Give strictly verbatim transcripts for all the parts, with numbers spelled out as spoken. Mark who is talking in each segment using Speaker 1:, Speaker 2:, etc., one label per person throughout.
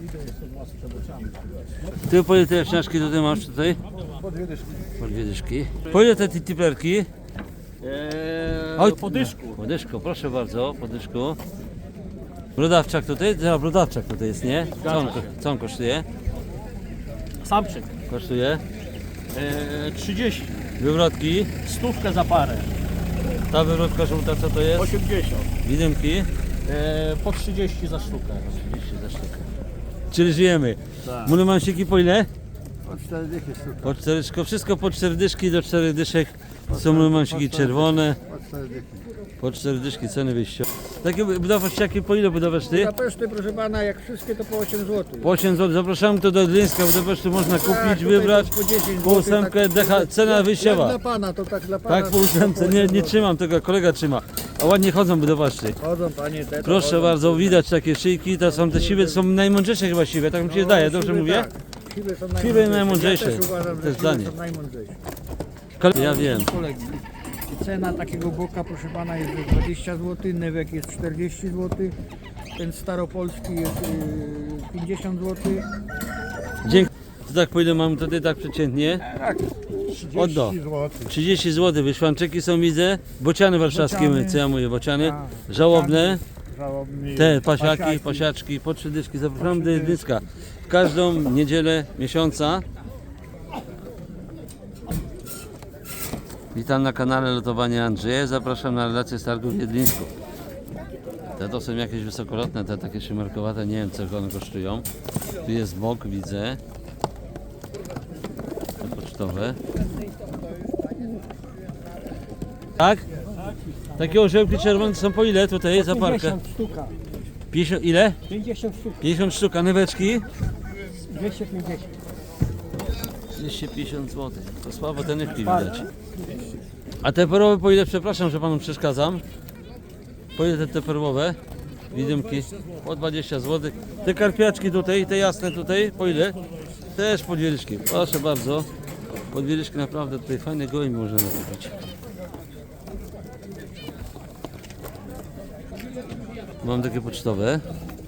Speaker 1: Ty po ile te jaśniaczki tutaj masz tutaj?
Speaker 2: Po dwie dyszki.
Speaker 1: Po dwie dyszki. Po ile te tiplerki?
Speaker 2: Eee, po dyszku.
Speaker 1: Po dyszku, proszę bardzo, po dyszku. Brodawczak tutaj? Teraz brodawczak tutaj jest, nie? Co on, co on kosztuje?
Speaker 2: Samczyk.
Speaker 1: Kosztuje?
Speaker 2: Eee, trzydzieści.
Speaker 1: Wywrotki.
Speaker 2: Stówkę za parę.
Speaker 1: Ta wywrotka żółta co to jest?
Speaker 2: osiemdziesiąt.
Speaker 1: Widymki?
Speaker 2: Eee, po trzydzieści za sztukę.
Speaker 1: trzydzieści za sztukę. Czyli żyjemy.
Speaker 2: Tak.
Speaker 1: Mulemansiki po ile?
Speaker 2: Po cztery dychy sztuka.
Speaker 1: Po cztery, wszystko po cztery dyszki do czterech dyszek. Są mulemansiki czerwone.
Speaker 2: Po cztery dychy.
Speaker 1: Po cztery dyszki ceny wyjściowe. Takie budowaszczaki po ile budowasz ty?
Speaker 3: Budapeszty, proszę pana, jak wszystkie to po osiem złotych.
Speaker 1: Po osiem złotych. Zapraszamy tu do Gdyńska. Budapesztu można kupić, wybrać.
Speaker 3: Po dziesięć
Speaker 1: Po ósemkę, decha, cena
Speaker 3: Jak
Speaker 1: wyjściowa.
Speaker 3: dla pana, to tak dla pana.
Speaker 1: Tak, po ósemce. Nie, nie trzymam tego, kolega trzyma. A ładnie chodzą budowaszczy.
Speaker 3: Chodzą panie te. to
Speaker 1: Proszę
Speaker 3: chodzą.
Speaker 1: bardzo, widać takie szyjki. To są te siwe, to są najmądrzejsze chyba siwe. Tak mi się
Speaker 3: No,
Speaker 1: wydaje, dobrze
Speaker 3: siwe
Speaker 1: mówię?
Speaker 3: Tak. Siwe są
Speaker 1: Siwe
Speaker 3: najmądrzejsze.
Speaker 1: najmądrzejsze.
Speaker 3: Ja też uważam,
Speaker 1: To
Speaker 3: że
Speaker 1: jest
Speaker 3: siwe
Speaker 1: zdanie.
Speaker 3: są najmądrzejsze.
Speaker 1: Ja wiem.
Speaker 3: Kolegi. Cena takiego boka, proszę pana, jest dwadzieścia złotych, newek jest czterdzieści złotych, ten staropolski jest yy, pięćdziesiąt złotych.
Speaker 1: Dzięki. To tak po ile mamy tutaj tak przeciętnie? Oddo. trzydzieści złotych. Wyszłanczyki są, widzę. Bociany warszawskie,
Speaker 3: Bociany.
Speaker 1: co ja mówię, bociany.
Speaker 3: Tak.
Speaker 1: Żałobne.
Speaker 3: Żałobny,
Speaker 1: Te pasiaki,
Speaker 3: pasiaki.
Speaker 1: pasiaczki, po trzy dyszki. Zapraszam do Gdyńska. W każdą niedzielę miesiąca. Witam na kanale Lotowania Andrzeja. Zapraszam na relację z targu w Wiedlińsku. Te to są jakieś wysokolotne, te takie szymarkowate, nie wiem co one kosztują. Tu jest bok, widzę. Te pocztowe. Tak? Takie orzełki czerwone są po ile tutaj za parkę?
Speaker 3: sztuka.
Speaker 1: pięćdziesiąt, ile?
Speaker 3: pięćdziesiąt sztuk.
Speaker 1: pięćdziesiąt sztuk, a nyweczki?
Speaker 3: dwieście pięćdziesiąt.
Speaker 1: dwieście pięćdziesiąt złotych. To słabo te nywki widać. A te perłowe po ile? Przepraszam, że panu przeszkadzam. Po ile te, te perłowe? Widymki? Po dwadzieścia złotych. Te karpiaczki tutaj, te jasne tutaj, po ile? Też po dwie dyszki. Proszę bardzo. Po dwie dyszki naprawdę tutaj fajne gołębie można kupić. Mam takie pocztowe.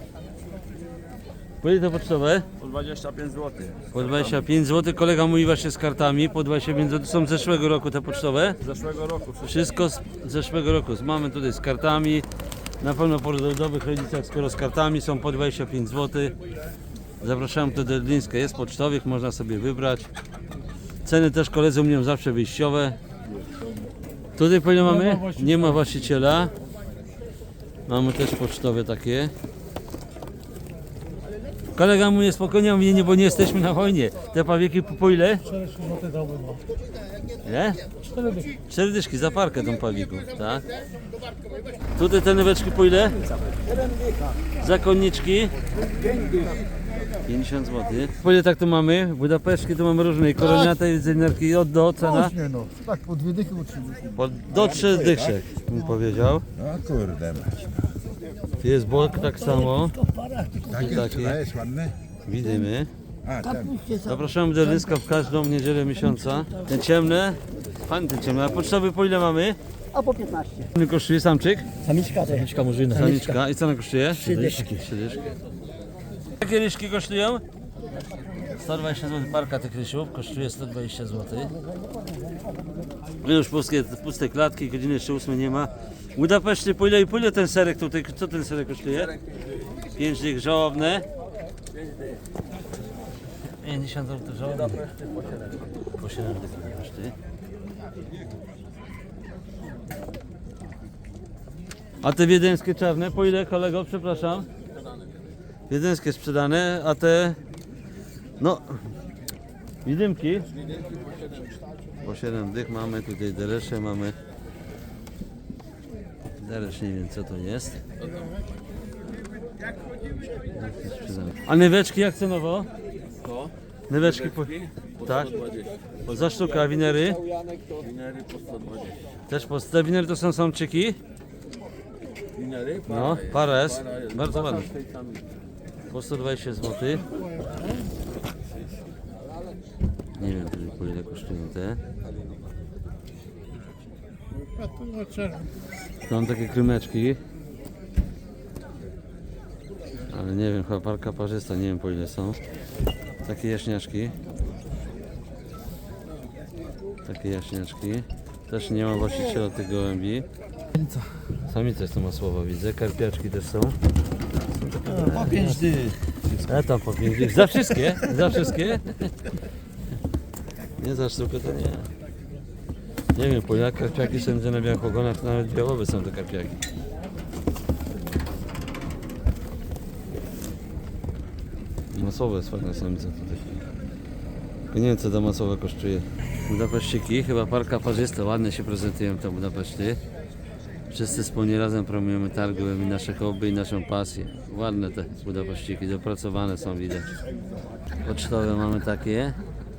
Speaker 1: Po ile te pocztowe?
Speaker 2: Po dwadzieścia pięć złotych.
Speaker 1: Po dwadzieścia pięć złotych. Kolega mówi właśnie z kartami. Po dwadzieścia pięć złotych. Są z zeszłego roku te pocztowe.
Speaker 2: Z zeszłego roku wszystko.
Speaker 1: Wszystko z zeszłego roku. Mamy tutaj z kartami. Na pewno po rodowych rodzicach, skoro z kartami są po dwadzieścia pięć złotych. Zapraszam tu do Gdyńska. Jest pocztowych, można sobie wybrać. Ceny też koledzy mówią zawsze wyjściowe. Tutaj po ile mamy? Nie ma właściciela. Mamy też pocztowe takie. Kolega mówi spokojnie, mówi nie, bo nie jesteśmy na wojnie. Te pawieki po, po ile? Ile? Cztery dyszki za parkę tą pawików, tak? Tutaj te nyweczki po ile? Zakonniczki? pięćdziesiąt złotych. Po ile tak tu mamy? Budapeszki tu mamy różne. Koroniate, jedzenierki od do cena?
Speaker 3: Nie no, tak po dwie dychy utrzymać.
Speaker 1: Po, do trzech dyszek, bym powiedział.
Speaker 4: No kurde mać.
Speaker 1: Jest bok tak samo.
Speaker 4: Takie
Speaker 1: Takie.
Speaker 4: jest ładne.
Speaker 1: Widzimy.
Speaker 4: A, ten.
Speaker 1: Zapraszamy do Gdyńska w każdą niedzielę miesiąca. Te ciemne, fajne te ciemne. A pocztowy po ile mamy?
Speaker 3: A po piętnaście.
Speaker 1: Ile kosztuje samczyk?
Speaker 3: Samiczka, samiczka murzyna.
Speaker 1: Samiczka. I co ona kosztuje?
Speaker 3: Trzy dyszki.
Speaker 1: Trzy dyszki. Jakie ryżki kosztują? sto dwadzieścia złotych. Parka tych ryżów kosztuje sto dwadzieścia złotych. Już puste, puste klatki, godziny jeszcze ósmej nie ma. W Budapeszcie po ile i po ile ten serek tutaj? Co ten serek kosztuje? pięć dych żałobne. pięćdziesiąt złotych żałobne. Po siedem dych Budapeszty. A te wiedeńskie czarne po ile, kolego? Przepraszam. Wiedeńskie sprzedane, a te no widymki po siedem dych mamy, tutaj deresze mamy. Deresz nie wiem co to jest. A nyweczki jak cenowo? Nyweczki po... Tak? Za sztukę, a winery?
Speaker 2: Winery po sto dwadzieścia.
Speaker 1: Też po... Te winery to są samczyki?
Speaker 2: Winery?
Speaker 1: No, para jest. Bardzo ładne. Po sto dwadzieścia złotych. Nie wiem po ile kosztują te. Tam takie krymeczki. Ale nie wiem, chyba parka parzysta, nie wiem po ile są. Takie jaśniaczki. Takie jaśniaczki. Też nie ma właściciela tych gołębi. Samice są masłowo, widzę. Karpiaczki też są.
Speaker 2: Po pięć dych.
Speaker 1: A tam po pięć dych. Za wszystkie? Za wszystkie? Nie za sztukę to nie. Nie wiem, po jak karpiaki są gdzie na białych ogonach, nawet białowe są te karpiaki. Masowe jest fajna samica tutaj. Tylko nie wiem co ta masowa kosztuje. Budapeszciki, chyba parka parzysta, ładnie się prezentują te Budapeszty. Wszyscy wspólnie razem promujemy targi, i nasze hobby i naszą pasję. Ładne te Budapeszciki, dopracowane są widać. Pocztowe mamy takie.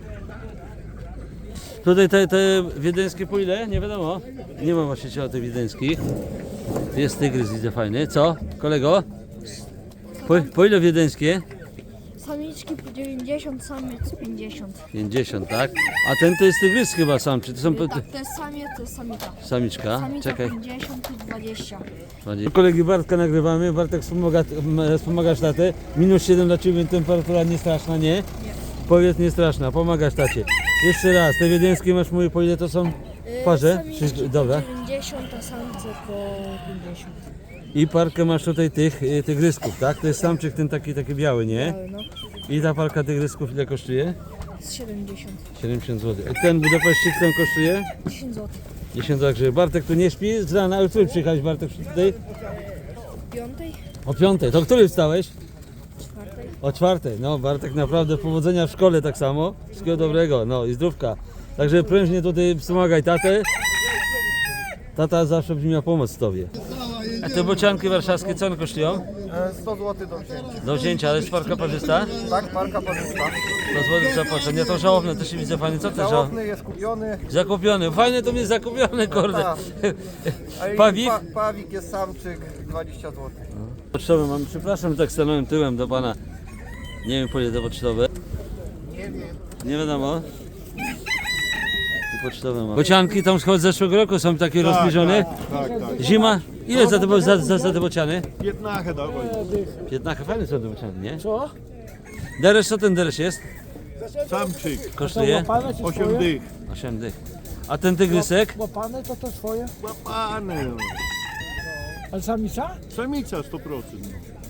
Speaker 1: Tutaj te, te wiedeńskie po ile? Nie wiadomo. Nie ma właściciela tych wiedeńskich. Jest tygrys, widzę fajny. Co, kolego? Po, po ile wiedeńskie?
Speaker 5: Samiczki po dziewięćdziesiąt, samiec pięćdziesiąt.
Speaker 1: pięćdziesiąt, tak? A ten to jest tygrys chyba sam, czy to są po-
Speaker 5: Tak, to jest samiec, to jest samica.
Speaker 1: samiczka?
Speaker 5: Samica
Speaker 1: Czekaj.
Speaker 5: pięćdziesiąt i dwadzieścia.
Speaker 1: Kolegi Bartka nagrywamy. Bartek wspomaga, m, wspomagasz tatę. Minus siedem dla Ciebie, temperatura nie straszna, nie?
Speaker 5: Nie.
Speaker 1: Powiedz nie straszna, pomagasz tacie. Jeszcze raz, te wiedeńskie masz mówię po ile to są w parze?
Speaker 5: Samiczki
Speaker 1: Czy, dobra.
Speaker 5: po dziewięćdziesiąt, a samce po pięćdziesiąt.
Speaker 1: I parkę masz tutaj tych y, tygrysków, tak? To jest samczyk ten taki, taki biały, nie?
Speaker 5: Ale no,
Speaker 1: I ta parka tygrysków ile kosztuje?
Speaker 5: z siedemdziesiąt.
Speaker 1: siedemdziesiąt złotych. A ten Budapeszcik ten kosztuje?
Speaker 5: dziesięć złotych.
Speaker 1: dziesięć złotych. Bartek tu nie śpi? Z rana, ale który przyjechałeś Bartek tutaj?
Speaker 5: Piątej,
Speaker 1: O piątej. To który wstałeś?
Speaker 5: czwartej.
Speaker 1: O czwartej. No Bartek naprawdę powodzenia w szkole tak samo. Wszystkiego dobrego, no i zdrówka. Także prężnie tutaj wspomagaj tatę. Tata zawsze będzie miał pomoc Tobie. A te bocianki warszawskie co one kosztują?
Speaker 6: sto złotych do wzięcia.
Speaker 1: Do wzięcia, ale jest parka parzysta?
Speaker 6: Tak, parka parzysta.
Speaker 1: sto złotych zapłacę. To żałobne, też się widzę fajnie. Co to żałobne?
Speaker 6: Żałobny jest kupiony.
Speaker 1: Zakupiony. Fajne to mnie zakupione, kurde.
Speaker 6: Tak. A i
Speaker 1: Pawik?
Speaker 6: Pa, pawik jest samczyk, dwadzieścia złotych.
Speaker 1: Pocztowe mam, przepraszam, tak stanąłem tyłem do pana. Nie wiem po ile to pocztowe. Nie wiadomo. I pocztowe mam. Bocianki tam z zeszłego roku są takie rozbliżone.
Speaker 7: Tak, tak.
Speaker 1: Zima. Ile za te, za, za, za te bociany?
Speaker 7: piętnaście dawaj.
Speaker 1: piętnaście, fajne są te bociany, nie? Co? Deresz, co ten deresz jest?
Speaker 7: Samczyk,
Speaker 1: Kosztuje?
Speaker 7: osiem dych.
Speaker 1: osiem dych. A ten tygrysek?
Speaker 3: Łapane to to swoje.
Speaker 7: Łapane.
Speaker 3: Ale samica?
Speaker 7: Samica sto procent.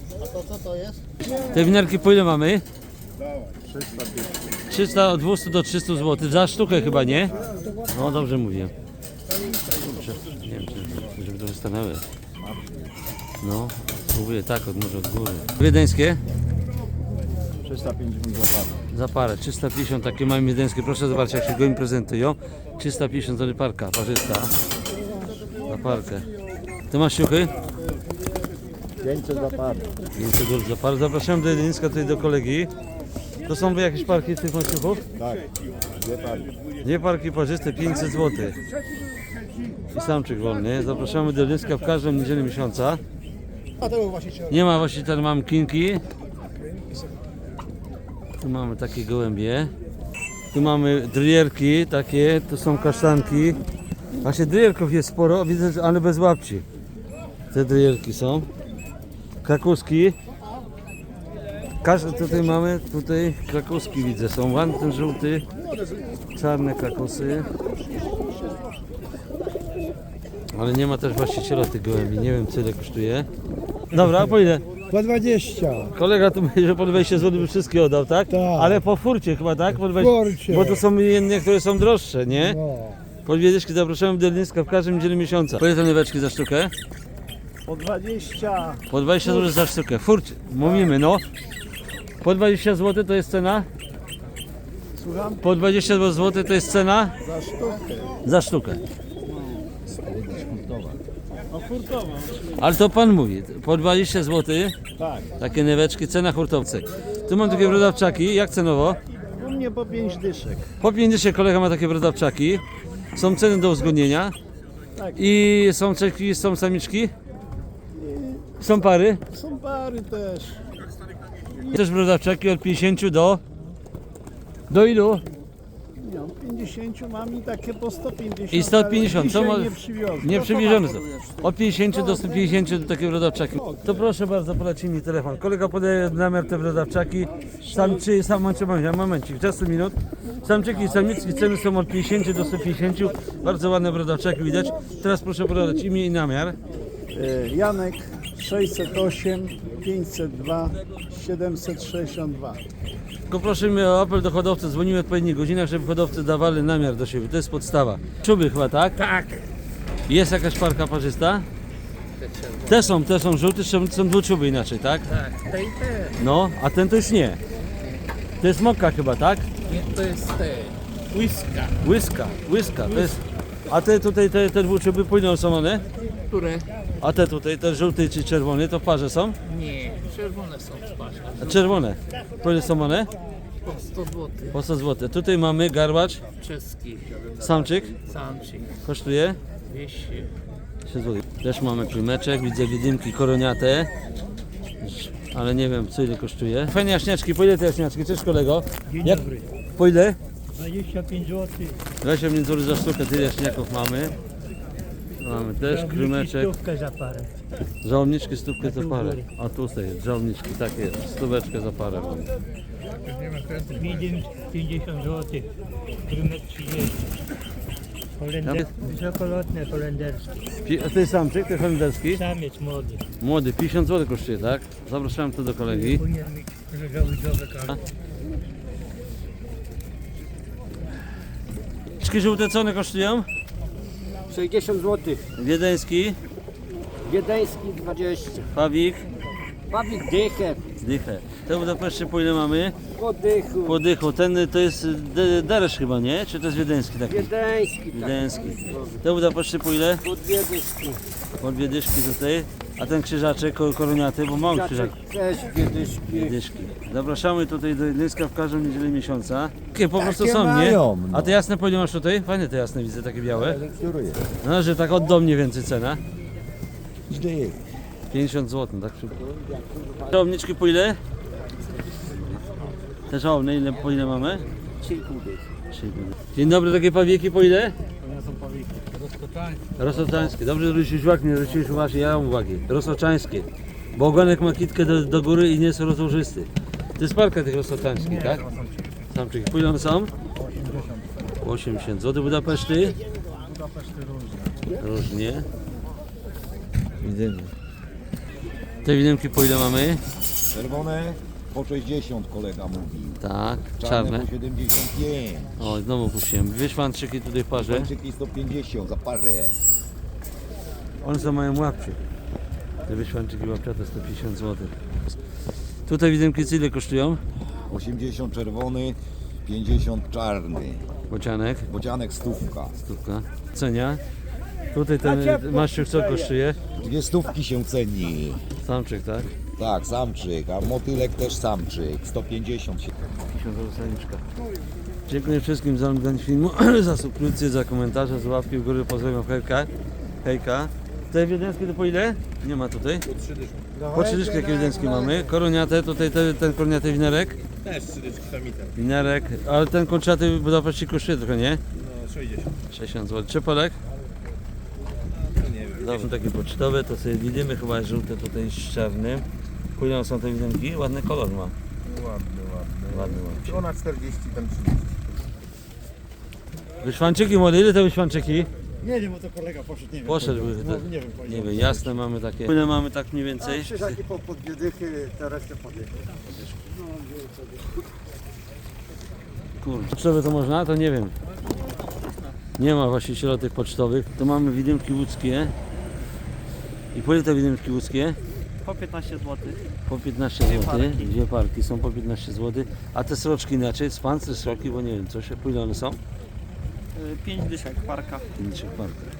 Speaker 1: Te winiarki po ile mamy?
Speaker 7: trzysta dych.
Speaker 1: trzysta, od dwieście do trzystu złotych. Za sztukę chyba, nie? No dobrze mówię. Kurczę, nie wiem, czy, żeby to stanęły. No, spróbuję tak, od może od góry. Wiedeńskie?
Speaker 7: trzysta pięćdziesiąt za parę.
Speaker 1: Za parę, trzysta pięćdziesiąt, takie mamy wiedeńskie. Proszę zobaczyć, jak się go im prezentują. trzysta pięćdziesiąt złotych parka, parzysta. Za parkę. Ty masz siuchy?
Speaker 7: pięćset za parę.
Speaker 1: pięćset złotych za parę. Zapraszam do Jedyńska, tutaj do kolegi. To są jakieś parki z tych maściuchów?
Speaker 7: Tak, dwie pary.
Speaker 1: Dwie parki parzyste, pięćset złotych. I samczyk wolny. Zapraszamy do Jedyńska w każdą niedzielę miesiąca. Nie ma właściciela, mam kinki. Tu mamy takie gołębie. Tu mamy drierki takie, tu są kasztanki. Właśnie drierków jest sporo, widzę, że- ale bez łapci. Te drierki są. Krakuski. Każdy tutaj mamy, tutaj krakuski widzę, są ładny ten żółty, czarne krakusy. Ale nie ma też właściciela tych gołębi, nie wiem co ile kosztuje. Dobra, a po ile?
Speaker 3: Po dwadzieścia.
Speaker 1: Kolega tu mówi, że po dwadzieścia złotych by wszystkie oddał, tak?
Speaker 3: Tak.
Speaker 1: Ale po furcie chyba, tak? Po dwadzieścia...
Speaker 3: Furcie.
Speaker 1: Bo to są jedne, które są droższe, nie?
Speaker 3: No.
Speaker 1: Po Wiedeńskie zapraszamy do Jedyńska w każdym niedzielę miesiąca. Po ile te nyweczki za sztukę?
Speaker 7: Po dwadzieścia.
Speaker 1: Po dwadzieścia złotych za sztukę. Furcie, mówimy no. Po dwadzieścia złotych to jest cena?
Speaker 7: Słucham?
Speaker 1: Po dwadzieścia złotych to jest cena?
Speaker 7: Za sztukę.
Speaker 1: Za sztukę.
Speaker 7: A furtowa?
Speaker 1: Ale to pan mówi, po dwadzieścia złotych
Speaker 7: Tak.
Speaker 1: takie nyweczki, cena hurtowcy. Tu mam takie brodawczaki, jak cenowo?
Speaker 7: U mnie po pięć dyszek.
Speaker 1: Po pięćdziesiąt kolega ma takie brodawczaki. Są ceny do uzgodnienia.
Speaker 7: Tak.
Speaker 1: I są czeki, są samiczki? Są pary?
Speaker 7: Są pary też.
Speaker 1: Też brodawczaki od pięćdziesięciu do... Do ilu?
Speaker 7: Nie, od pięćdziesięciu mam i takie po sto pięćdziesiąt.
Speaker 1: I sto pięćdziesiąt,
Speaker 7: ale
Speaker 1: to
Speaker 7: dzisiaj
Speaker 1: mo-
Speaker 7: nie przywiozłem.
Speaker 1: Nie przywiezione są. Od pięćdziesięciu do stu pięćdziesięciu do takiego brodawczaki. To proszę bardzo, poleci mi telefon. Kolega podaje namiar te brodawczaki. Samczy, sam momencik, momencik, czas minut. Samczyki i samiczki ceny są od pięćdziesięciu do stu pięćdziesięciu. Bardzo ładne brodawczaki widać. Teraz proszę podać imię i namiar.
Speaker 7: E, Janek sześćset osiem, pięćset dwa, siedemset sześćdziesiąt dwa.
Speaker 1: Tylko prosimy o apel do hodowcy. Dzwonimy w odpowiednich godzinach, żeby hodowcy dawali namiar do siebie. To jest podstawa. Czuby chyba, tak?
Speaker 3: Tak.
Speaker 1: Jest jakaś parka parzysta? Te są, te są żółte, są, są dwuczuby inaczej, tak?
Speaker 3: Tak, te i te.
Speaker 1: No, a ten to już nie. To jest mokka chyba, tak?
Speaker 3: Nie, to jest te. Łyska.
Speaker 1: Łyska, łyska, to jest... A te tutaj, te, te dwuczuby pójdą są one?
Speaker 3: Które?
Speaker 1: A te tutaj, te żółte czy czerwone, to w parze są?
Speaker 3: Nie, czerwone są w parze.
Speaker 1: A czerwone. Po ile są one?
Speaker 3: Po sto złotych.
Speaker 1: Po sto złotych. Tutaj mamy garbacz,
Speaker 3: Czeski.
Speaker 1: samczyk,
Speaker 3: Samczyk.
Speaker 1: kosztuje
Speaker 3: dwieście.
Speaker 1: trzy złote. Też mamy klimeczek, widzę widymki koroniate. Ale nie wiem, co ile kosztuje. Fajne jaśniaczki, po ile te jaśniaczki? Cześć kolego.
Speaker 3: Dzień
Speaker 1: Jak?
Speaker 3: dobry.
Speaker 1: Po ile?
Speaker 3: dwadzieścia pięć złotych.
Speaker 1: dwadzieścia pięć złotych za sztukę, tyle jaśniaków mamy. Mamy też krymeczek.
Speaker 3: Stówkę za parę.
Speaker 1: Żołniczki stówkę za parę. A tutaj jest, żołniczki, takie jest. Stóweczkę za parę mamy.
Speaker 3: Medium pięćdziesiąt złotych. Krymet trzydzieści. Holender... Wysokolotne holenderskie.
Speaker 1: Pi- A to jest samczyk, to jest holenderski.
Speaker 3: Samiec młody.
Speaker 1: Młody, pięćdziesiąt złotych kosztuje, tak? Zapraszam tu do kolegi.
Speaker 3: Powinien mieć żołnierzowe karty.
Speaker 1: Czki żółte co one kosztują?
Speaker 8: sześćdziesiąt złotych.
Speaker 1: Wiedeński,
Speaker 8: Wiedeński dwadzieścia.
Speaker 1: Pawik,
Speaker 8: Pawik dychę.
Speaker 1: dychę. Te Budapeszcie po ile mamy?
Speaker 8: Po dychu.
Speaker 1: Po dychu. Ten to jest de- deresz chyba, nie? Czy to jest wiedeński taki?
Speaker 8: Wiedeński tak.
Speaker 1: Wiedeński. Te Budapeszcie po ile?
Speaker 8: Po dwie dyszki.
Speaker 1: Po dwie dyszki tutaj. A ten krzyżaczek ko- koroniaty, bo mały krzyżak.
Speaker 8: Też dwie dyszki.
Speaker 1: Dwie dyszki. Zapraszamy tutaj do Jedlińska w każdą niedzielę miesiąca. Takie po prostu
Speaker 4: Takie
Speaker 1: są, nie?
Speaker 4: mają, no.
Speaker 1: A te jasne po ile masz tutaj? Fajne te jasne widzę, takie białe.
Speaker 4: Kieruję.
Speaker 1: No, że tak od mniej więcej cena.
Speaker 4: Dych.
Speaker 1: pięćdziesiąt złotych, tak szybko. Żołniczki po ile? Te żołny, ile, po ile mamy? trzy i pół dych. Dzień dobry, takie pawieki po ile? Rosoczańskie. Dobrze, że zwróciłeś uwagę, nie zwróciłeś uwagi, ja mam uwagi. Rosoczańskie. Bo ogonek ma kitkę do, do góry i nie jest rozłożysty. To jest parka tych rosoczańskich, tak? Samczyki. Po ile one są? osiemdziesiąt złotych. Budapeszty? Różnie. Widzimy. Te widymki po ile mamy?
Speaker 4: Czerwone po sześćdziesiąt kolega mówił.
Speaker 1: Tak,
Speaker 4: Czarne
Speaker 1: czarne.
Speaker 4: po siedemdziesiąt pięć.
Speaker 1: O, znowu puściłem. Wyszwanczyki tutaj w parze.
Speaker 4: Kończyki sto pięćdziesiąt za parę.
Speaker 1: One są mają łapcie. Te wyszwanczyki łapciate sto pięćdziesiąt złotych. Tutaj widymki co ile kosztują?
Speaker 4: osiemdziesiąt czerwony, pięćdziesiąt czarny.
Speaker 1: Bocianek,
Speaker 4: Bocianek stówka.
Speaker 1: stówka. Cenia. Tutaj ten maściuch co kosztuje?
Speaker 4: Dwie stówki się ceni.
Speaker 1: Samczyk, tak?
Speaker 4: Tak, samczyk, a motylek też samczyk. sto pięćdziesiąt się.
Speaker 1: pięćdziesiąt złotych samiczka. Dziękuję wszystkim za oglądanie filmu, za subskrypcję, za komentarze, za łapki w górę. Pozdrawiam, hejka. Hejka. Te wiedeńskie to po ile? Nie ma tutaj. Po trzy dyszki jakie wiedeńskie mamy. Koroniate, tutaj te, ten koroniaty winerek.
Speaker 6: Też trzy dyszki samitek.
Speaker 1: Winerek, ale ten kończaty w Budapeszcie kosztuje trochę, nie?
Speaker 6: No sześćdziesiąt.
Speaker 1: sześćdziesiąt złotych. Czepolek?
Speaker 6: Nie wiem.
Speaker 1: Dobrze, takie pocztowe, to sobie widzimy, chyba jest żółte tutaj z czarnym. Pójdą są te widymki, ładny kolor ma.
Speaker 6: Ładny, ładny.
Speaker 1: Ładny, ładny.
Speaker 6: Ona czterdzieści, ten trzydzieści.
Speaker 1: Wyszwanczyki młode, ile te wyszwanczyki?
Speaker 7: Nie wiem, bo to kolega poszedł, nie wiem.
Speaker 1: Poszedł,
Speaker 7: No,
Speaker 1: to,
Speaker 7: nie wiem,
Speaker 1: nie wiem, jasne mamy takie. Ile mamy tak mniej więcej?
Speaker 8: Krzyżaki po, po dwie dychy, te resztę po dychy.
Speaker 1: Kurde. Pocztowe to można? To nie wiem. Nie ma właściciela tych pocztowych. To mamy widymki łódzkie. I po ile te widymki łódzkie?
Speaker 3: Po piętnaście złotych.
Speaker 1: Po piętnaście złotych. Dwie parki są po piętnaście złotych. A te sroczki inaczej? Z pancy sroki, bo nie wiem, co się, po ile one są?
Speaker 3: pięć dyszek parka.
Speaker 1: pięćdziesiąt parka.